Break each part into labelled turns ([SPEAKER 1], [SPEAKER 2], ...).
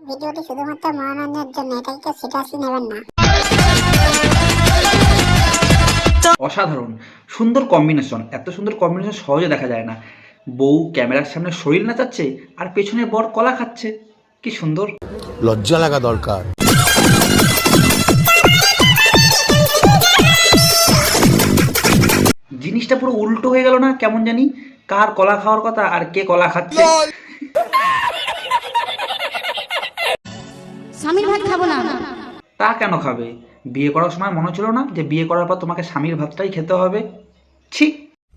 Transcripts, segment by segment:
[SPEAKER 1] ভিডিওটি শুধুমাত্র মনোরঞ্জনের জন্য, এটাকে সিরিয়াসলি নেবেন না।
[SPEAKER 2] অসাধারণ সুন্দর কম্বিনেশন, এত সুন্দর কম্বিনেশন সহজে দেখা যায় না। বউ ক্যামেরার সামনে শরীর নাচাচ্ছে আর পেছনে বর কলা খাচ্ছে, কি সুন্দর।
[SPEAKER 3] লজ্জা লাগা দরকার।
[SPEAKER 2] জিনিসটা পুরো উল্টো হয়ে গেল না কেমন জানি, কার কলা খাওয়ার কথা আর কে কলা খাচ্ছে।
[SPEAKER 4] স্বামীর ভাত খাবো না।
[SPEAKER 2] তা কেন খাবে? বিয়ে করার সময় মনে ছিল না যে বিয়ে করার পর তোমাকে স্বামীর ভাতটাই খেতে হবে? ছি।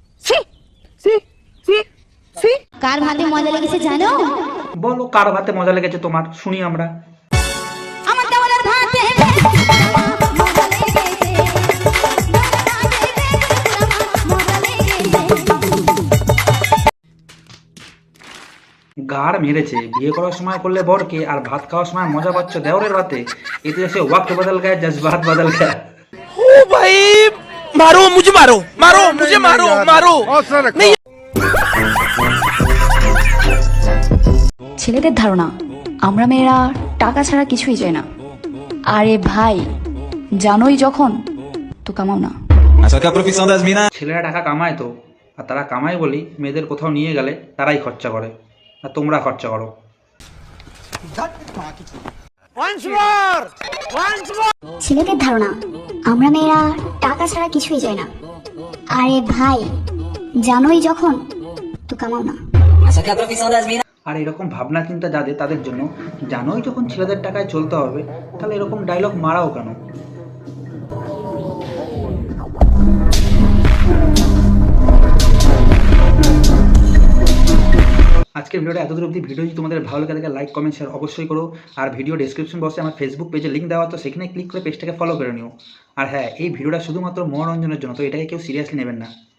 [SPEAKER 4] কার ভাতে মজা লেগেছে জানো?
[SPEAKER 2] বলো কার ভাতে মজা লেগেছে তোমার, শুনি আমরা।
[SPEAKER 4] আমার দেওয়ালের ভাতে মজা লেগেছে।
[SPEAKER 2] গাড় মেরেছে, বিয়ে করার সময় করলে বরকে আর ভাত খাওয়ার সময় মজা পাচ্ছ দেওরের ভাতে। এতে এসে ওয়াক্ত বদল গায়ে জজবাত বদল গায়ে।
[SPEAKER 5] ओ भाई मारो मुझे, मारो मारो मुझे, मारो मारो।
[SPEAKER 6] ছেলেদের ধারণা আমরা মেয়েরা টাকা ছাড়া কিছুই চাই না। আরে ভাই, জানোই যখন তো কামাও না।
[SPEAKER 2] ছেলেরা টাকা কামায় তো, আর তারা কামায় বলি মেয়েদের কোথাও নিয়ে গেলে তারাই খরচা করে, আর তোমরা খরচা করো।
[SPEAKER 1] ছেলেদের ধারণা আমরা মেয়েরা টাকা ছাড়া কিছুই চাই না। আরে ভাই, জানোই যখন তো কামাও না।
[SPEAKER 2] আর এরকম ভাবনা চিন্তা যাদের, তাদের জন্য জানোই যখন ছেলেদের টাকায় চলতে হবে, তাহলে এরকম ডায়লগ মারাও কেন? আজকের ভিডিওটা এতদূর অবধি। ভিডিও যদি তোমাদের ভালো লাগে থাকে লাইক কমেন্ট শেয়ার অবশ্যই করো। আর ভিডিও ডেসক্রিপশন বক্সে আমার ফেসবুক পেজে লিঙ্ক দেওয়া, তো সেখানে ক্লিক করে পেজটাকে ফলো করে নিও। আর হ্যাঁ, এই ভিডিওটা শুধুমাত্র মনোরঞ্জনের জন্য, তো এটাকে কেউ সিরিয়াসলি নেবেন না।